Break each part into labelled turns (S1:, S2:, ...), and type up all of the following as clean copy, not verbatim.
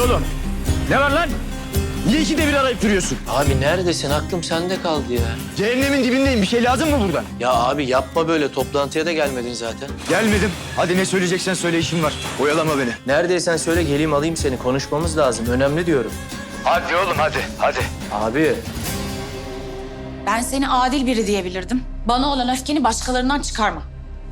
S1: oğlum? Ne var lan? Niye ikide bir arayıp duruyorsun?
S2: Abi neredesin? Aklım sende kaldı ya.
S1: Cehennemin dibindeyim. Bir şey lazım mı buradan?
S2: Ya abi yapma böyle. Toplantıya da gelmedin zaten.
S1: Gelmedim. Hadi ne söyleyeceksen söyle, işim var. Oyalama beni.
S2: Neredeysen söyle geleyim alayım seni. Konuşmamız lazım. Önemli diyorum.
S1: Hadi oğlum hadi.
S2: Abi.
S3: Ben seni adil biri diyebilirdim. Bana olan öfkeni başkalarından çıkarma.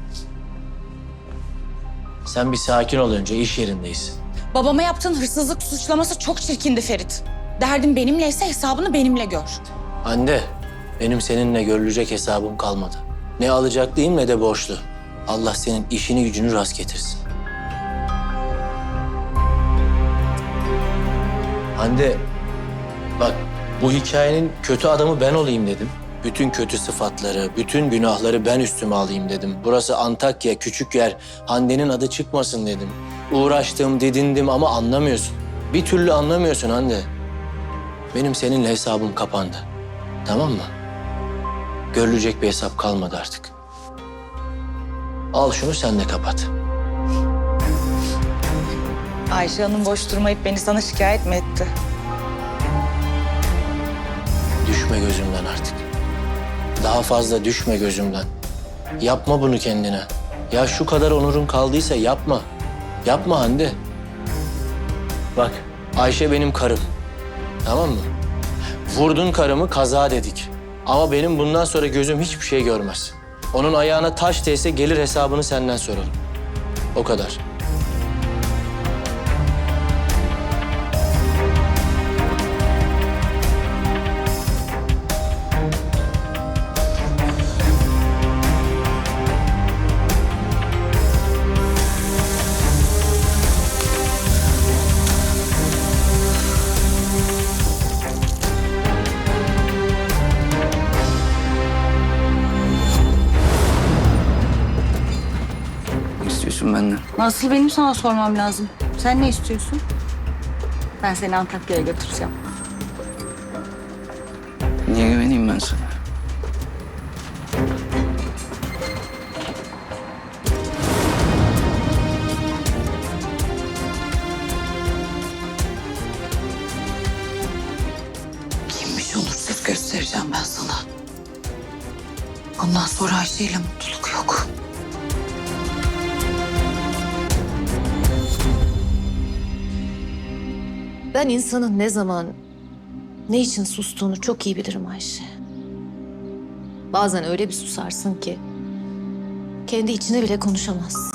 S2: Sen bir sakin ol önce. İş yerindeyiz.
S3: Babama yaptığın hırsızlık suçlaması çok çirkindi Ferit. Derdin benimleyse hesabını benimle gör.
S2: Anne, benim seninle görülecek hesabım kalmadı. Ne alacaklıyım ne de borçlu. Allah senin işini gücünü rast getirsin. Hande, bak bu hikayenin kötü adamı ben olayım dedim. Bütün kötü sıfatları, bütün günahları ben üstüme alayım dedim. Burası Antakya, küçük yer. Hande'nin adı çıkmasın dedim. Uğraştım, didindim ama anlamıyorsun. Bir türlü anlamıyorsun Hande. Benim seninle hesabım kapandı. Tamam mı? Görülecek bir hesap kalmadı artık. Al şunu sen de kapat.
S3: Ayşe Hanım boş durmayıp beni sana şikayet mi etti?
S2: Düşme gözümden artık. Daha fazla düşme gözümden. Yapma bunu kendine. Ya şu kadar onurun kaldıysa yapma. Yapma Hande. Bak Ayşe benim karım. Tamam mı? Vurdun karımı kaza dedik. Ama benim bundan sonra gözüm hiçbir şey görmez. Onun ayağına taş değse gelir hesabını senden sorarım. O kadar.
S4: Ne istiyorsun benden?
S3: Nasıl benim sana sormam lazım. Sen ne istiyorsun? Ben seni Antakya'ya götüreceğim.
S4: Niye güveneyim ben sana?
S3: Kimmiş olursuz göstereceğim ben sana. Ondan sonra Ayşe ile mutluluk yok.
S5: Ben insanın ne zaman, ne için sustuğunu çok iyi bilirim Ayşe. Bazen öyle bir susarsın ki kendi içine bile konuşamazsın.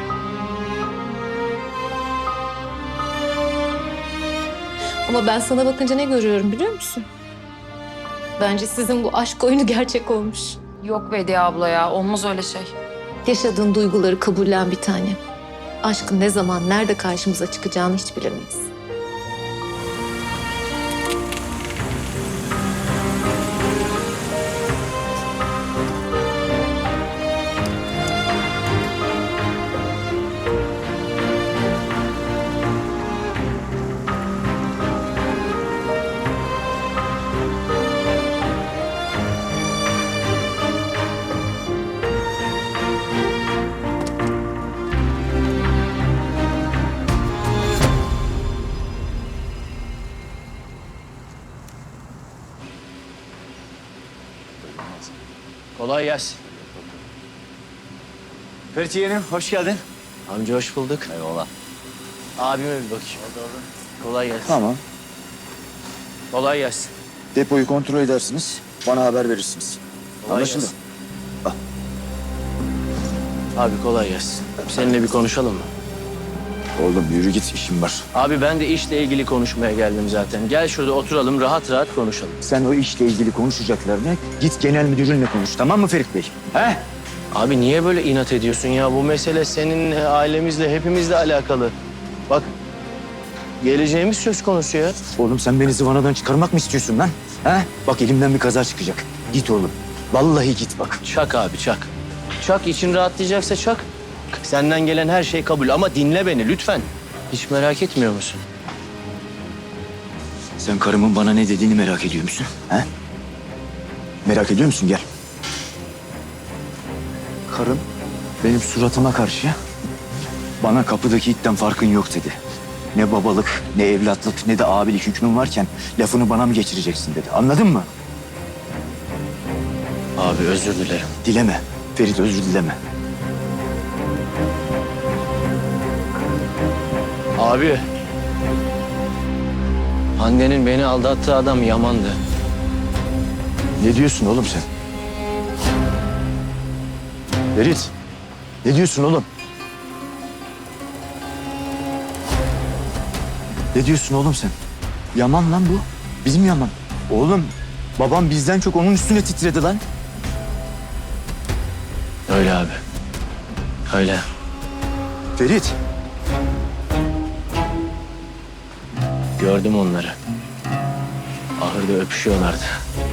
S5: Ama ben sana bakınca ne görüyorum biliyor musun? Bence sizin bu aşk oyunu gerçek olmuş.
S3: Yok Bediye abla ya, olmaz öyle şey.
S5: Yaşadığın duyguları kabullen bir tanem. Aşkın ne zaman, nerede karşımıza çıkacağını hiç bilemeyiz.
S2: Kolay gelsin.
S1: Ferit yeğenim, hoş geldin.
S2: Amca hoş bulduk.
S1: Eyvallah.
S2: Abime bir bakayım. Kolay gelsin.
S6: Tamam.
S2: Kolay gelsin.
S6: Depoyu kontrol edersiniz. Bana haber verirsiniz.
S2: Kolay
S6: Anlaşıldı.
S2: gelsin. Abi kolay gelsin. Seninle bir konuşalım mı?
S6: Oğlum yürü git, işim var.
S2: Abi ben de işle ilgili konuşmaya geldim zaten. Gel şurada oturalım rahat rahat konuşalım.
S6: Sen o işle ilgili konuşacaklarını git genel müdürünle konuş. Tamam mı Ferit Bey? He?
S2: Abi niye böyle inat ediyorsun ya? Bu mesele senin ailemizle hepimizle alakalı. Bak geleceğimiz söz konusu ya.
S6: Oğlum sen beni zıvanadan çıkarmak mı istiyorsun lan? He? Bak elimden bir kaza çıkacak. Git oğlum. Vallahi git bak.
S2: Çak abi çak. Çak için rahatlayacaksa çak. Senden gelen her şey kabul ama dinle beni lütfen. Hiç merak etmiyor musun?
S6: Sen karımın bana ne dediğini merak ediyor musun? He? Merak ediyor musun? Gel. Karım benim suratıma karşı bana kapıdaki itten farkın yok dedi. Ne babalık, ne evlatlık, ne de abilik hükmün varken lafını bana mı geçireceksin dedi. Anladın mı?
S2: Abi özür dilerim.
S6: Dileme. Ferit özür dileme.
S2: Abi. Hande'nin beni aldattığı adam Yaman'dı.
S6: Ne diyorsun oğlum sen? Ferit. Ne diyorsun oğlum? Ne diyorsun oğlum sen? Yaman lan bu. Bizim Yaman. Oğlum babam bizden çok onun üstüne titredi lan.
S2: Öyle abi. Öyle.
S6: Ferit.
S2: Gördüm onları. Ahırda öpüşüyorlardı.